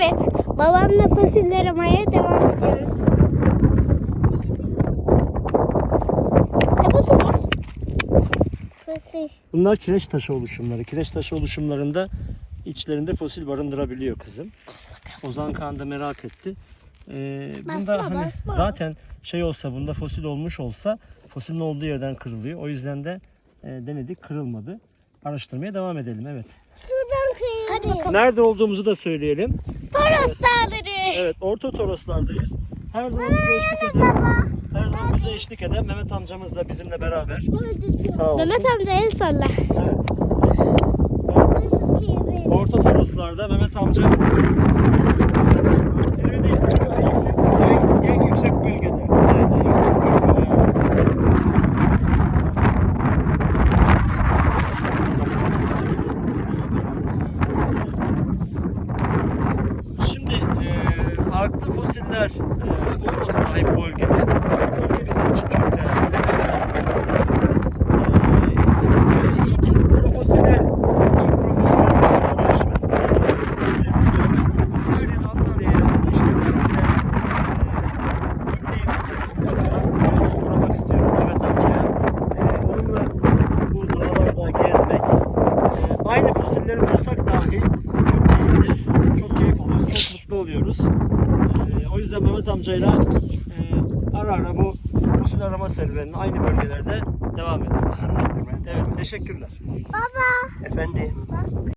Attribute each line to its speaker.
Speaker 1: Evet, babamla fosil aramaya devam ediyoruz. Ne buldunuz? Fosil.
Speaker 2: Bunlar kireç taşı oluşumları. Kireç taşı oluşumlarında içlerinde fosil barındırabiliyor kızım. Ozan Kağan da merak etti. Bunda
Speaker 1: Basma, basma.
Speaker 2: zaten şey olsa, bunda fosil olmuş olsa fosilin olduğu yerden kırılıyor. O yüzden de denedik, kırılmadı. Araştırmaya devam edelim. Evet.
Speaker 1: Sudan kıyıldı. Hadi bakalım.
Speaker 2: Nerede olduğumuzu da söyleyelim.
Speaker 1: Toros Dağları.
Speaker 2: Evet, Orta Toroslardayız. Her zaman bize eşlik eden, her zaman bize eşlik eden Mehmet amcamız da bizimle beraber. Sağ olsun.
Speaker 1: Mehmet amca el salla.
Speaker 2: Evet. Orta Toroslarda Mehmet amca zirvedeyiz. En yüksek bölgede. Evet, en yüksek bölgede. Şimdi farklı fosiller olması dahi bu bölgede. Bölge bizim için çok değerli. Neden? İlk profesyonel ulaşımız. Örneğin Antalya'ya ya da işte indiğimizde mutlaka uğramak istiyoruz Mehmet amcaya. Onunla bu dağlarda gezmek, aynı fosilleri bulsak dahi çok keyifli, çok keyif alıyoruz, çok mutlu oluyoruz. O yüzden Mehmet amcayla ara ara bu fosil arama serüvenine aynı bölgelerde devam ediyoruz. Evet, teşekkürler.
Speaker 1: Baba.
Speaker 2: Efendim.